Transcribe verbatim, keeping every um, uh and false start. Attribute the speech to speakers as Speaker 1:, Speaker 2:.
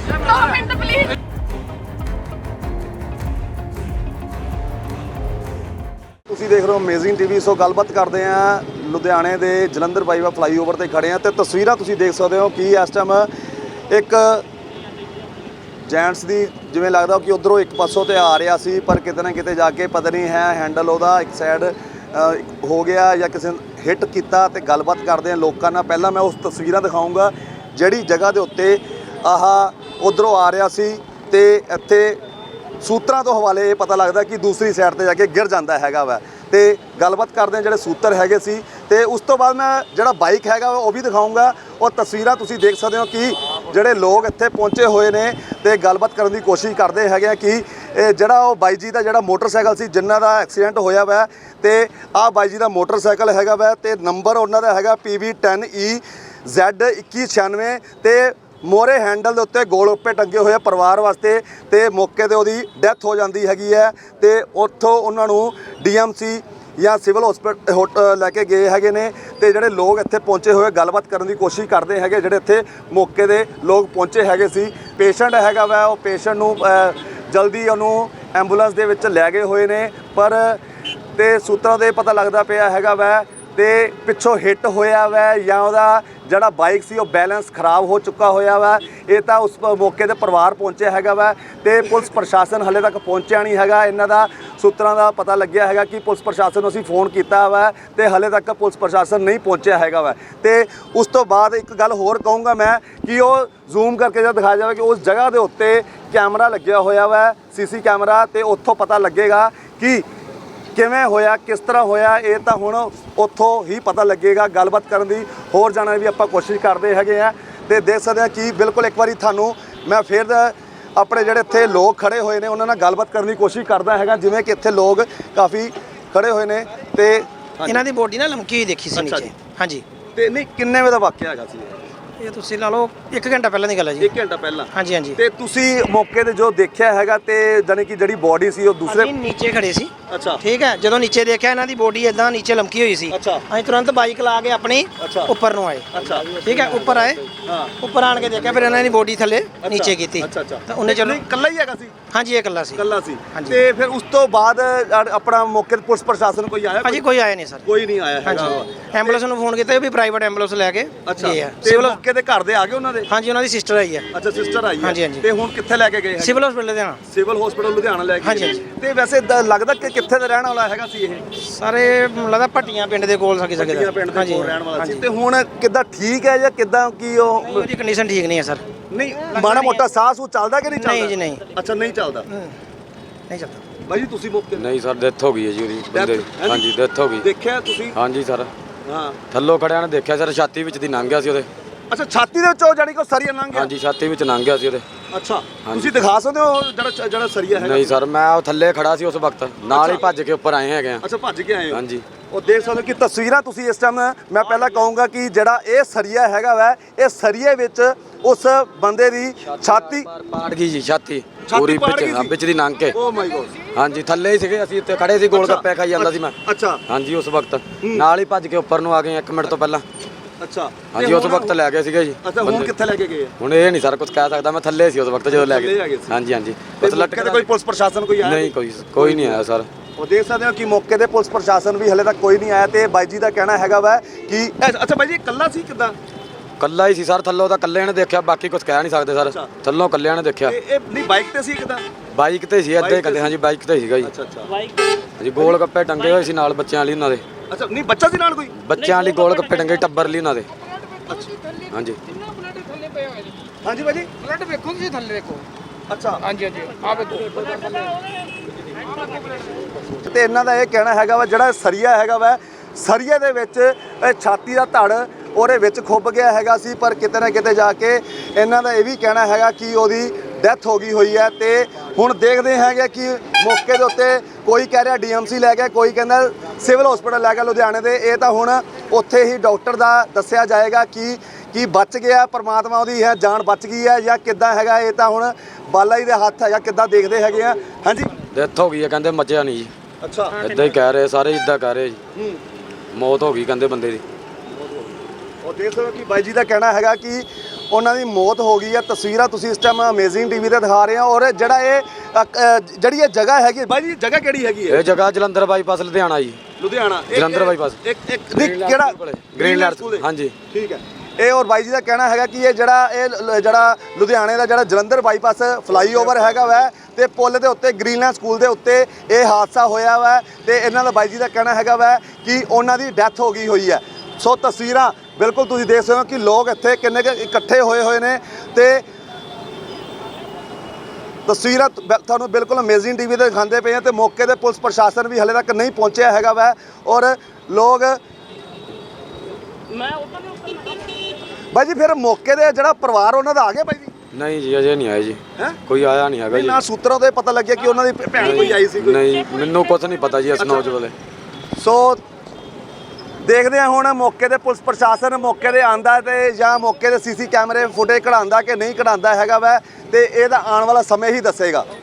Speaker 1: दो minute please.
Speaker 2: ਤੁਸੀਂ ਦੇਖ ਰਹੇ ਹੋ ਅਮੇਜ਼ਿੰਗ ਟੀਵੀ। ਸੋ ਗੱਲਬਾਤ ਕਰਦੇ ਆ ਲੁਧਿਆਣੇ ਦੇ ਜਲੰਧਰ ਬਾਈਵਾ ਫਲਾਈਓਵਰ ਤੇ ਖੜੇ ਆ ਤੇ ਤਸਵੀਰਾਂ ਤੁਸੀਂ ਦੇਖ ਸਕਦੇ ਹੋ ਕਿ ਇਸ ਟਾਈਮ ਇੱਕ ਜੈਂਟਸ ਦੀ ਜਿਵੇਂ ਲੱਗਦਾ ਕਿ ਉਧਰੋਂ ਇੱਕ ਪਾਸੋਂ ਤੇ ਆ ਰਿਹਾ ਸੀ, ਪਰ ਕਿਤੇ ਨਾ ਕਿਤੇ ਜਾ ਕੇ ਪਤਾ ਨਹੀਂ ਹੈ ਹੈਂਡਲ ਉਹਦਾ ਇੱਕ ਸਾਈਡ ਹੋ ਗਿਆ ਜਾਂ ਕਿਸੇ ਨੇ ਹਿੱਟ ਕੀਤਾ। ਤੇ ਗੱਲਬਾਤ ਕਰਦੇ ਆ ਲੋਕਾਂ ਨਾਲ। ਪਹਿਲਾਂ ਮੈਂ ਉਸ ਤਸਵੀਰਾਂ ਦਿਖਾਊਂਗਾ ਜਿਹੜੀ ਜਗ੍ਹਾ ਦੇ ਉੱਤੇ ਆਹ ਉਧਰੋਂ ਆ ਰਿਹਾ ਸੀ ਤੇ ਇੱਥੇ ਸੂਤਰਾਂ ਤੋਂ ਹਵਾਲੇ ਇਹ ਪਤਾ ਲੱਗਦਾ ਕਿ ਦੂਸਰੀ ਸਾਈਡ ਤੇ ਜਾ ਕੇ ਗਿਰ ਜਾਂਦਾ ਹੈਗਾ ਵਾ। ਤੇ ਗੱਲਬਾਤ ਕਰਦੇ ਆ ਜਿਹੜੇ ਸੂਤਰ ਹੈਗੇ ਸੀ ਤੇ ਉਸ ਤੋਂ ਬਾਅਦ ਮੈਂ ਜਿਹੜਾ ਬਾਈਕ ਹੈਗਾ ਉਹ ਵੀ ਦਿਖਾਊਂਗਾ। ਉਹ ਤਸਵੀਰਾਂ ਤੁਸੀਂ ਦੇਖ ਸਕਦੇ ਹੋ ਕਿ ਜਿਹੜੇ ਲੋਕ ਇੱਥੇ ਪਹੁੰਚੇ ਹੋਏ ਨੇ ਤੇ ਗੱਲਬਾਤ ਕਰਨ ਦੀ ਕੋਸ਼ਿਸ਼ ਕਰਦੇ ਹੈਗੇ ਆ ਕਿ ਇਹ ਜਿਹੜਾ ਉਹ ਬਾਈ ਜੀ ਦਾ ਜਿਹੜਾ ਮੋਟਰਸਾਈਕਲ ਸੀ ਜਿਨ੍ਹਾਂ ਦਾ ਐਕਸੀਡੈਂਟ ਹੋਇਆ ਵਾ ਤੇ ਆਹ ਬਾਈ ਜੀ ਦਾ ਮੋਟਰਸਾਈਕਲ ਹੈਗਾ ਵਾ ਤੇ ਨੰਬਰ ਉਹਨਾਂ ਦਾ ਹੈਗਾ ਪੀ ਵੀ ਟੈਨ ਈ ਜ਼ੈਡ ਇੱਕੀ ਛਿਆਨਵੇਂ ਤੇ ਮੋਰੇ ਹੈਂਡਲ ਦੇ ਉੱਤੇ ਗੋਲ ਉੱਪੇ ਟੰਗੇ ਹੋਏ ਪਰਿਵਾਰ ਵਾਸਤੇ ਤੇ ਮੌਕੇ ਤੇ ਉਹਦੀ ਡੈਥ ਹੋ ਜਾਂਦੀ ਹੈਗੀ ਹੈ ਤੇ ਉੱਥੋਂ ਉਹਨਾਂ ਨੂੰ ਡੀ ਐਮ ਸੀ ਜਾਂ ਸਿਵਲ ਹਸਪੀਟਲ ਲੈ ਕੇ ਗਏ ਹੈਗੇ ਨੇ। ਤੇ ਜਿਹੜੇ ਲੋਕ ਇੱਥੇ ਪਹੁੰਚੇ ਹੋਏ ਗੱਲਬਾਤ ਕਰਨ ਦੀ ਕੋਸ਼ਿਸ਼ ਕਰਦੇ ਹੈਗੇ ਜਿਹੜੇ ਇੱਥੇ ਮੌਕੇ ਦੇ ਲੋਕ ਪਹੁੰਚੇ ਹੈਗੇ ਸੀ। ਪੇਸ਼ੈਂਟ ਹੈਗਾ ਵਾ ਉਹ ਪੇਸ਼ੈਂਟ ਨੂੰ ਜਲਦੀ ਉਹਨੂੰ ਐਂਬੂਲੈਂਸ ਦੇ ਵਿੱਚ ਲੈ ਗਏ ਹੋਏ ਨੇ, ਪਰ ਤੇ ਸੂਤਰਾਂ ਦੇ ਪਤਾ ਲੱਗਦਾ ਪਿਆ ਹੈਗਾ ਵਾ ਤੇ ਪਿੱਛੋਂ ਹਿੱਟ ਹੋਇਆ ਵਾ ਜਾਂ ਉਹਦਾ ਜਿਹੜਾ ਬਾਈਕ ਸੀ ਉਹ ਬੈਲੈਂਸ ਖਰਾਬ ਹੋ ਚੁੱਕਾ ਹੋਇਆ ਵਾ। ਇਹ ਤਾਂ ਉਸ ਮੌਕੇ ਤੇ ਪਰਿਵਾਰ ਪਹੁੰਚਿਆ ਹੈਗਾ ਵਾ ਤੇ ਪੁਲਿਸ ਪ੍ਰਸ਼ਾਸਨ ਹਲੇ ਤੱਕ ਪਹੁੰਚਿਆ ਨਹੀਂ ਹੈਗਾ। ਇਹਨਾਂ ਦਾ ਸੂਤਰਾਂ ਦਾ ਪਤਾ ਲੱਗਿਆ ਹੈਗਾ ਕਿ ਪੁਲਿਸ ਪ੍ਰਸ਼ਾਸਨ ਨੂੰ ਅਸੀਂ ਫੋਨ ਕੀਤਾ ਵਾ ਤੇ ਹਲੇ ਤੱਕ ਪੁਲਿਸ ਪ੍ਰਸ਼ਾਸਨ ਨਹੀਂ ਪਹੁੰਚਿਆ ਹੈਗਾ ਵਾ। ਤੇ ਉਸ ਤੋਂ ਬਾਅਦ ਇੱਕ ਗੱਲ ਹੋਰ ਕਹੂੰਗਾ ਮੈਂ ਕਿ ਉਹ ਜ਼ੂਮ ਕਰਕੇ ਜਦ ਦਿਖਾਇਆ ਜਾਵੇ ਕਿ ਉਸ ਜਗ੍ਹਾ ਦੇ ਉੱਤੇ ਕੈਮਰਾ ਲੱਗਿਆ ਹੋਇਆ ਵਾ ਸੀਸੀ ਕੈਮਰਾ ਤੇ ਉੱਥੋਂ ਪਤਾ ਲੱਗੇਗਾ ਕਿ ਕਿਵੇਂ ਹੋਇਆ ਕਿਸ ਤਰ੍ਹਾਂ ਹੋਇਆ। ਇਹ ਤਾਂ ਹੁਣ ਉੱਥੋਂ ਹੀ ਪਤਾ ਲੱਗੇਗਾ। ਗੱਲਬਾਤ ਕਰਨ ਦੀ ਹੋਰ ਜਾਣਨ ਵੀ ਆਪਾਂ ਕੋਸ਼ਿਸ਼ ਕਰਦੇ ਹੈਗੇ ਆ ਤੇ ਦੇਖ ਸਕਦੇ ਆ ਕਿ ਬਿਲਕੁਲ ਇੱਕ ਵਾਰੀ ਤੁਹਾਨੂੰ ਮੈਂ ਫਿਰ ਆਪਣੇ ਜਿਹੜੇ ਇੱਥੇ ਲੋਕ ਖੜੇ ਹੋਏ ਨੇ ਉਹਨਾਂ ਨਾਲ ਗੱਲਬਾਤ ਕਰਨ ਦੀ ਕੋਸ਼ਿਸ਼ ਕਰਦਾ ਹੈਗਾ। ਜਿਵੇਂ ਕਿ ਇੱਥੇ ਲੋਕ ਕਾਫੀ ਖੜੇ ਹੋਏ ਨੇ ਤੇ
Speaker 3: ਇਹਨਾਂ ਦੀ ਬੋਡੀ ਨਾ ਲਮਕੀ ਹੋਈ ਦੇਖੀ ਸੀ ਨੀਚੇ। ਹਾਂਜੀ
Speaker 2: ਤੇ ਨਹੀਂ ਕਿੰਨੇ ਵਜੇ ਦਾ ਵਾਕਿਆ ਹੈਗਾ ਸੀ
Speaker 3: ਇਹ ਤੁਸੀਂ ਲਾ ਲਓ ਇੱਕ ਘੰਟਾ ਪਹਿਲਾਂ ਦੀ ਗੱਲ ਹੈ ਜੀ।
Speaker 2: ਇੱਕ ਘੰਟਾ ਪਹਿਲਾਂ।
Speaker 3: ਹਾਂਜੀ ਹਾਂਜੀ
Speaker 2: ਤੇ ਤੁਸੀਂ ਮੌਕੇ ਤੇ ਜੋ ਦੇਖਿਆ ਹੈਗਾ ਤੇ ਜਾਨੀ ਕਿ ਜਿਹੜੀ ਬੋਡੀ ਸੀ ਉਹ ਦੂਸਰੇ
Speaker 3: ਅਸੀਂ ਨੀਚੇ ਖੜੇ ਸੀ।
Speaker 2: ਅੱਛਾ
Speaker 3: ਠੀਕ ਹੈ, ਜਦੋਂ ਨੀਚੇ ਦੇਖਿਆ ਇਹਨਾਂ ਦੀ ਬੋਡੀ ਇਦਾਂ ਨੀਚੇ ਲਮਕੀ ਹੋਈ ਸੀ
Speaker 2: ਅੱਛਾ।
Speaker 3: ਅਸੀਂ ਤੁਰੰਤ ਬਾਈਕ ਲਾ ਕੇ ਆਪਣੀ
Speaker 2: ਅੱਛਾ।
Speaker 3: ਉੱਪਰ ਨੂੰ ਆਏ।
Speaker 2: ਅੱਛਾ
Speaker 3: ਠੀਕ ਹੈ, ਉੱਪਰ ਆਏ।
Speaker 2: ਹਾਂ
Speaker 3: ਉੱਪਰ ਆਣ ਕੇ ਦੇਖਿਆ ਫਿਰ ਇਹਨਾਂ ਦੀ ਬੋਡੀ ਥੱਲੇ ਨੀਚੇ ਕੀਤੀ।
Speaker 2: ਅੱਛਾ ਅੱਛਾ
Speaker 3: ਤਾਂ ਉਹਨੇ ਚਲੋ
Speaker 2: ਇਕੱਲਾ ਹੀ ਹੈਗਾ ਸੀ।
Speaker 3: ਹਾਂਜੀ ਇਹ ਇਕੱਲਾ ਸੀ।
Speaker 2: ਇਕੱਲਾ ਸੀ
Speaker 3: ਹਾਂਜੀ।
Speaker 2: ਤੇ ਫਿਰ ਉਸ ਤੋਂ ਬਾਅਦ ਆਪਣਾ ਮੌਕੇ ਤੇ ਪੁਲਿਸ ਪ੍ਰਸ਼ਾਸਨ ਕੋਈ ਆਇਆ?
Speaker 3: ਹਾਂਜੀ ਕੋਈ ਆਇਆ ਨਹੀਂ ਸਰ।
Speaker 2: ਕੋਈ ਨਹੀਂ ਆਇਆ ਹੈਗਾ।
Speaker 3: ਹਾਂਜੀ ਐਂਬੂਲੈਂਸ ਨੂੰ ਫੋਨ ਕੀਤਾ, ਉਹ ਵੀ ਪ੍ਰਾਈਵੇਟ ਐਂਬੂਲੈਂਸ ਲੈ ਕੇ
Speaker 2: ਅੱਛਾ
Speaker 3: ਗਏ ਆ।
Speaker 2: ਤੇ
Speaker 3: ਸਿਵਲ
Speaker 2: ਮੌਕੇ ਤੇ ਘਰ ਦੇ ਆ ਗਏ ਉਹਨਾਂ ਦੇ?
Speaker 3: ਹਾਂਜੀ ਉਹਨਾਂ ਦੀ ਸਿਸਟਰ ਆਈ ਹੈ।
Speaker 2: ਅੱਛਾ ਸਿਸਟਰ ਆਈ ਹੈ।
Speaker 3: ਹਾਂਜੀ, ਹਾਂਜੀ।
Speaker 2: ਤੇ ਹੁਣ ਕਿੱਥੇ ਲੈ ਕੇ ਗਏ?
Speaker 3: ਸਿਵਲ ਹਸਪੀਟਲ ਦੇ ਨਾਲ।
Speaker 2: ਸਿਵਲ ਹਸਪੀਟਲ ਲੁਧਿਆਣਾ ਲੈ ਕੇ
Speaker 3: ਹਾਂਜੀ,
Speaker 2: ਗਏ।
Speaker 3: ਹਾਂਜੀ।
Speaker 2: ਤੇ ਵੈਸੇ ਦ- ਲੱਗਦਾ ਕਿ ਕਿੱਥੇ ਦਾ ਰਹਿਣ ਵਾਲਾ ਹੈਗਾ ਸੀ ਇਹ?
Speaker 3: ਸਾਰੇ ਲੱਗਦਾ ਭੱਟੀਆਂ ਪਿੰਡ ਦੇ ਕੋਲ ਸਕੀ
Speaker 2: ਪੱਟੀਆਂ
Speaker 3: ਸਕਦਾ।
Speaker 2: ਪਿੰਡ ਦੇ ਕੋਲ ਰਹਿਣ ਵਾਲਾ ਸੀ।
Speaker 3: ਹਾਂਜੀ।
Speaker 2: ਤੇ ਹੁਣ ਕਿੱਦਾਂ ਠੀਕ ਹੈ ਜਾਂ ਕਿੱਦਾਂ ਕੀ ਉਹ
Speaker 3: ਉਹਦੀ ਕੰਡੀਸ਼ਨ ਠੀਕ ਨਹੀਂ ਹੈ ਸਰ।
Speaker 2: ਨਹੀਂ ਮਾੜਾ ਮੋਟਾ ਸਾਹ ਸੂ ਚੱਲਦਾ ਕਿ ਨਹੀਂ ਚੱਲਦਾ?
Speaker 3: ਨਹੀਂ ਜੀ ਨਹੀਂ।
Speaker 2: ਅੱਛਾ ਨਹੀਂ ਚੱਲਦਾ।
Speaker 3: ਨਹੀਂ ਚੱਲਦਾ
Speaker 2: ਬਾਈ ਜੀ ਤੁਸੀਂ ਮੌਕੇ
Speaker 4: ਨਹੀਂ ਸਰ ਡੈਥ ਹੋ ਗਈ ਹੈ ਜੀ ਉਹਦੀ ਬੰਦੇ ਦੀ।
Speaker 2: ਹੈਂ?
Speaker 4: ਹਾਂਜੀ ਡੈਥ ਹੋ ਗਈ।
Speaker 2: ਦੇਖਿਆ ਤੁਸੀਂ?
Speaker 4: ਹਾਂਜੀ ਸਰ
Speaker 2: ਹਾਂ
Speaker 4: ਥੱਲੋਂ ਖੜਿਆ ਨੇ ਦੇਖਿਆ ਸਰ, ਛਾਤੀ ਵਿੱਚ ਦੀ ਲੰਘ ਗਿਆ ਸੀ ਉਹਦੇ।
Speaker 2: ਅੱਛਾ ਛਾਤੀ ਦੇ ਵਿੱਚੋਂ ਜਾਨੀ ਕਿ ਉਹ ਸਰੀਆ ਲੰਘ ਗਿਆ?
Speaker 4: ਹਾਂਜੀ ਛਾਤੀ ਵਿੱਚ ਲੰਘ ਗਿਆ ਸੀ ਉਹਦੇ।
Speaker 2: ਅੱਛਾ ਤੁਸੀਂ ਦਿਖਾ ਸਕਦੇ ਹੋ ਜਿਹੜਾ ਜਿਹੜਾ ਸਰੀਆ ਹੈਗਾ?
Speaker 4: ਨਹੀਂ ਸਰ ਮੈਂ ਉਹ ਥੱਲੇ ਖੜਾ ਸੀ ਉਸ ਵਕਤ, ਨਾਲ ਹੀ ਭੱਜ ਕੇ ਉੱਪਰ ਆਏ ਹੈਗੇ ਆ।
Speaker 2: ਅੱਛਾ ਭੱਜ ਕੇ ਆਏ ਹੋ?
Speaker 4: ਹਾਂਜੀ
Speaker 2: ਉਹ ਦੇਖ ਸਕਦੇ ਹੋ ਕਿ ਤਸਵੀਰਾਂ ਤੁਸੀਂ ਇਸ ਟਾਈਮ ਮੈਂ ਪਹਿਲਾਂ ਕਹੂੰਗਾ ਕਿ ਜਿਹੜਾ ਇਹ ਸਰੀਆ ਹੈਗਾ ਵਾ ਇਹ ਸਰੀਏ ਵਿੱਚ ਉਸ ਬੰਦੇ ਦੀ ਛਾਤੀ
Speaker 4: ਪਾੜ ਗਈ ਜੀ, ਛਾਤੀ
Speaker 2: ਛਾਤੀ
Speaker 4: ਪੂਰੀ
Speaker 2: ਪਾੜ ਗਈ
Speaker 4: ਵਿੱਚ
Speaker 2: ਸੀ?
Speaker 4: ਵਿੱਚ ਦੀ ਲੰਘ ਕੇ।
Speaker 2: ਓ ਮਾਈ ਗੋਡ।
Speaker 4: ਹਾਂਜੀ ਥੱਲੇ ਹੀ ਸੀਗੇ ਅਸੀਂ, ਉੱਤੇ ਖੜੇ ਸੀ, ਗੋਲ ਗੱਪੇ ਖਾਈ ਜਾਂਦਾ ਸੀ ਮੈਂ।
Speaker 2: ਅੱਛਾ
Speaker 4: ਹਾਂਜੀ ਉਸ ਵਕਤ ਨਾਲ ਹੀ ਭੱਜ ਕੇ ਉੱਪਰ ਨੂੰ ਆ ਗਏ ਇੱਕ ਮਿੰਟ ਤੋਂ ਪਹਿਲਾਂ।
Speaker 2: ਅੱਛਾ
Speaker 4: ਹਾਂਜੀ
Speaker 2: ਤੇ
Speaker 4: ਉਸ
Speaker 2: ਹੁਣ-
Speaker 4: ਵਕਤ ਲੈ ਗਏ ਸੀਗੇ ਜੀ
Speaker 2: ਅੱਛਾ ਹੁਣ
Speaker 4: ਬੰਦੇ।
Speaker 2: ਕਿੱਥੇ ਲੈ ਕੇ ਗਏ?
Speaker 4: ਹੁਣ ਇਹ ਨਹੀਂ ਸਰ ਕੁਝ ਕਹਿ ਸਕਦਾ, ਮੈਂ ਥੱਲੇ ਸੀ ਉਸ ਵਕਤ ਜਦੋਂ ਲੈ
Speaker 2: ਥੱਲੇ ਆ
Speaker 4: ਗਏ।
Speaker 2: ਗਏ ਸੀ।
Speaker 4: ਹਾਂਜੀ ਹਾਂਜੀ
Speaker 2: ਤੇ
Speaker 4: ਬਸ
Speaker 2: ਮੌਕੇ
Speaker 4: ਲਟਕ
Speaker 2: ਤੇ ਕੋਈ ਪੁਲਿਸ ਪ੍ਰਸ਼ਾਸਨ ਕੋਈ ਆਇਆ?
Speaker 4: ਨਹੀਂ ਕੋਈ ਕੋਈ ਨਹੀਂ ਆਇਆ ਸਰ।
Speaker 2: ਉਹ ਦੇਖ ਸਕਦੇ ਹੋ ਕਿ ਮੌਕੇ ਤੇ ਪੁਲਿਸ ਪ੍ਰਸ਼ਾਸਨ ਵੀ ਹਲੇ ਤੱਕ ਕੋਈ ਨਹੀਂ ਆਇਆ ਤੇ ਬਾਈ ਜੀ ਦਾ ਕਹਿਣਾ ਹੈਗਾ ਵਾ ਕਿ ਅੱਛਾ ਬਾਈ ਜੀ ਇਕੱਲਾ ਸੀ ਕਿੱਦਾਂ?
Speaker 4: ਕੱਲਾ ਹੀ ਸੀ ਸਰ, ਥੱਲੋਂ ਤਾਂ ਕੱਲੇ ਨੇ ਦੇਖਿਆ, ਬਾਕੀ ਕੁਝ ਕਹਿ ਨਹੀਂ ਸਕਦੇ ਸਰ।
Speaker 2: ਅੱਛਾ।
Speaker 4: ਥੱਲੋਂ ਕੱਲਿਆਂ ਨੇ ਦੇਖਿਆ।
Speaker 2: ਇਹ ਇਹ ਨਹੀਂ ਬਾਈਕ ਤੇ ਸੀ ਕਿੱਦਾਂ?
Speaker 4: ਬਾਈਕ ਤੇ ਸੀ ਏਦਾਂ
Speaker 2: ਬਾਈਕ
Speaker 4: ਹੀ ਕਹਿੰਦੇ।
Speaker 2: ਤੇ
Speaker 4: ਹਾਂਜੀ ਬਾਈਕ ਤੇ ਸੀਗਾ ਜੀ।
Speaker 2: ਅੱਛਾ ਅੱਛਾ
Speaker 4: ਹਾਂਜੀ ਗੋਲ ਗੱਪੇ ਟੰਗੇ ਹੋਏ ਸੀ ਨਾਲ ਬੱਚਿਆਂ ਲਈ ਉਹਨਾਂ ਦੇ।
Speaker 2: ਅੱਛਾ ਨਹੀਂ ਬੱਚਾ ਸੀ ਨਾਲ ਕੋਈ?
Speaker 4: ਬੱਚਿਆਂ ਲਈ ਗੋਲ ਗੱਪੇ ਟੰਗੇ ਟੱਬਰ ਲਈ ਉਹਨਾਂ ਦੇ। ਹਾਂਜੀ
Speaker 2: ਹਾਂਜੀ ਬਾਈ ਜੀ
Speaker 3: ਬਲੱਡ ਵੇਖੋ ਤੁਸੀਂ ਥੱਲੇ ਵੇਖੋ।
Speaker 2: ਅੱਛਾ
Speaker 3: ਹਾਂਜੀ ਹਾਂਜੀ ਆ ਵੇਖੋ।
Speaker 2: ਤੇ ਇਹਨਾਂ ਦਾ ਇਹ ਕਹਿਣਾ ਹੈਗਾ ਵਾ ਜਿਹੜਾ ਸਰੀਆ ਹੈਗਾ ਵਾ ਸਰੀਏ ਦੇ ਵਿੱਚ ਇਹ ਛਾਤੀ ਦਾ ਧੜ ਉਹਦੇ ਵਿੱਚ ਖੁੱਭ ਗਿਆ ਹੈਗਾ ਸੀ, ਪਰ ਕਿਤੇ ਨਾ ਕਿਤੇ ਜਾ ਕੇ ਇਹਨਾਂ ਦਾ ਇਹ ਵੀ ਕਹਿਣਾ ਹੈਗਾ ਕਿ ਉਹਦੀ ਡੈਥ ਹੋ ਗਈ ਹੋਈ ਹੈ। ਤੇ ਹੁਣ ਦੇਖਦੇ ਹੈਗੇ ਕਿ ਮੌਕੇ ਦੇ ਉੱਤੇ ਕੋਈ ਕਹਿ ਰਿਹਾ ਡੀ ਐਮ ਸੀ ਲੈ ਕੇ, ਕੋਈ ਕਹਿੰਦਾ ਸਿਵਲ ਹਸਪੀਟਲ ਲੈ ਕੇ ਲੁਧਿਆਣੇ ਦੇ। ਇਹ ਤਾਂ ਹੁਣ ਉੱਥੇ ਹੀ ਡਾਕਟਰ ਦਾ ਦੱਸਿਆ ਜਾਏਗਾ ਕਿ ਕੀ ਬਚ ਗਿਆ, ਪਰਮਾਤਮਾ ਉਹਦੀ ਹੈ ਜਾਨ ਬਚ ਗਈ ਹੈ ਜਾਂ ਕਿੱਦਾਂ ਹੈਗਾ। ਇਹ ਤਾਂ ਹੁਣ ਬਾਲਾ ਜੀ ਦੇ ਹੱਥ ਹੈਗਾ, ਕਿੱਦਾਂ ਦੇਖਦੇ ਹੈਗੇ ਆ। ਹਾਂਜੀ
Speaker 4: ਡੈਥ ਹੋ ਗਈ ਹੈ ਕਹਿੰਦੇ, ਮੱਚਿਆ ਨਹੀਂ ਜੀ।
Speaker 2: ਅੱਛਾ
Speaker 4: ਇਦਾਂ ਹੀ ਕਹਿ ਰਹੇ ਸਾਰੇ, ਇਦਾਂ ਕਹਿ ਰਹੇ ਜੀ।
Speaker 2: ਹੂੰ
Speaker 4: ਮੌਤ ਹੋ ਗਈ ਕਹਿੰਦੇ ਬੰਦੇ ਦੀ।
Speaker 2: ਉਹ ਦੇਖ ਸਕਦੇ ਹੋ ਕਿ ਬਾਈ ਜੀ ਦਾ ਕਹਿਣਾ ਹੈਗਾ ਕਿ ਉਹਨਾਂ ਦੀ ਮੌਤ ਹੋ ਗਈ ਹੈ। ਤਸਵੀਰਾਂ ਤੁਸੀਂ ਇਸ ਟਾਈਮ ਅਮੇਜ਼ਿੰਗ ਟੀਵੀ ਤੇ ਦਿਖਾ ਰਹੇ ਹੋ। ਔਰ ਜਿਹੜਾ ਇਹ ਅ, ਅ, ਜਿਹੜੀ ਇਹ ਜਗ੍ਹਾ ਹੈਗੀ ਹੈ, ਬਾਈ ਜੀ ਜਗ੍ਹਾ ਕਿਹੜੀ ਹੈਗੀ ਹੈ?
Speaker 4: ਇਹ ਜਗ੍ਹਾ ਜਲੰਧਰ ਬਾਈਪਾਸ ਲੁਧਿਆਣਾ ਜੀ।
Speaker 2: ਲੁਧਿਆਣਾ ਇੱਕ-
Speaker 4: ਜਲੰਧਰ ਬਾਈਪਾਸ।
Speaker 2: ਇੱਕ ਇੱਕ ਨਹੀਂ, ਕਿਹੜਾ
Speaker 4: ਗ੍ਰੀਨਲੈਂਡ
Speaker 2: ਸਕੂਲ ਦੇ?
Speaker 4: ਹਾਂਜੀ
Speaker 2: ਠੀਕ ਹੈ। ਇਹ ਔਰ ਬਾਈ ਜੀ ਦਾ ਕਹਿਣਾ ਹੈਗਾ ਕਿ ਇਹ ਜਿਹੜਾ ਇਹ ਲ- ਜਿਹੜਾ ਲੁਧਿਆਣੇ ਦਾ ਜਿਹੜਾ ਜਲੰਧਰ ਬਾਈਪਾਸ ਫਲਾਈਓਵਰ ਹੈਗਾ ਵੈ ਤੇ ਪੁਲ ਦੇ ਉੱਤੇ ਗ੍ਰੀਨਲੈਂਡ ਸਕੂਲ ਦੇ ਉੱਤੇ ਇਹ ਹਾਦਸਾ ਹੋਇਆ ਵਾ ਤੇ ਇਹਨਾਂ ਦਾ ਬਾਈ ਜੀ ਦਾ ਕਹਿਣਾ ਹੈਗਾ ਵੈ ਕਿ ਉਹਨਾਂ ਦੀ ਡੈਥ ਹੋ ਗਈ ਹੋਈ ਹੈ। ਸੋ ਤਸਵੀਰਾਂ ਬਿਲਕੁਲ ਤੁਸੀਂ ਦੇਖ ਸਕਦੇ ਹੋ ਕਿ ਲੋਕ ਇੱਥੇ ਕਿੰਨੇ ਕੁ ਇਕੱਠੇ ਹੋਏ ਹੋਏ ਨੇ ਤੇ ਤਸਵੀਰਾਂ ਤ- ਬਿ- ਤੁਹਾਨੂੰ ਬਿਲਕੁਲ ਅਮੇਜ਼ਿੰਗ ਟੀਵੀ ਤੇ ਦਿਖਾਉਂਦੇ ਪਏ ਆ ਤੇ ਮੌਕੇ ਤੇ ਪੁਲਿਸ ਪ੍ਰਸ਼ਾਸਨ ਵੀ ਹਲੇ ਤੱਕ ਨਹੀਂ ਪਹੁੰਚਿਆ ਹੈਗਾ ਵੈ ਔਰ ਲੋਕ ਬਾਈ ਜੀ ਫਿਰ ਮੌਕੇ ਦੇ ਜਿਹੜਾ ਪਰਿਵਾਰ ਉਹਨਾਂ ਦਾ ਆ ਗਿਆ ਬਾਈ ਜੀ?
Speaker 4: ਨਹੀਂ ਜੀ ਅਜੇ ਨਹੀਂ ਆਏ ਜੀ।
Speaker 2: ਹੈਂ?
Speaker 4: ਕੋਈ ਆਇਆ ਨਹੀਂ ਹੈਗਾ
Speaker 2: ਨਹੀਂ
Speaker 4: ਜੀ।
Speaker 2: ਨਾ ਸੂਤਰਾਂ ਤੋਂ ਇਹ ਪਤਾ ਲੱਗਿਆ ਕਿ ਉਹਨਾਂ ਦੀ ਭੈ- ਭੈਣ ਕੋਈ ਆਈ ਸੀ ਕੋਈ।
Speaker 4: ਨਹੀਂ ਮੈਨੂੰ ਕੁਝ ਨਹੀਂ ਪਤਾ ਜੀ ਇਸ ਨੌਜ ਵੇਲੇ।
Speaker 2: ਸੋ ਦੇਖਦੇ ਹਾਂ ਹੁਣ ਮੌਕੇ ਤੇ ਪੁਲਿਸ ਪ੍ਰਸ਼ਾਸਨ ਮੌਕੇ ਤੇ ਆਂਦਾ ਤੇ ਜਾਂ ਮੌਕੇ ਦੇ ਸੀਸੀ ਕੈਮਰੇ ਫੁਟੇਜ ਕਢਾਉਂਦਾ ਕਿ ਨਹੀਂ ਕਢਾਉਂਦਾ ਹੈਗਾ ਵੈ ਤੇ ਇਹਦਾ ਆਉਣ ਵਾਲਾ ਸਮੇਂ ਹੀ ਦੱਸੇਗਾ।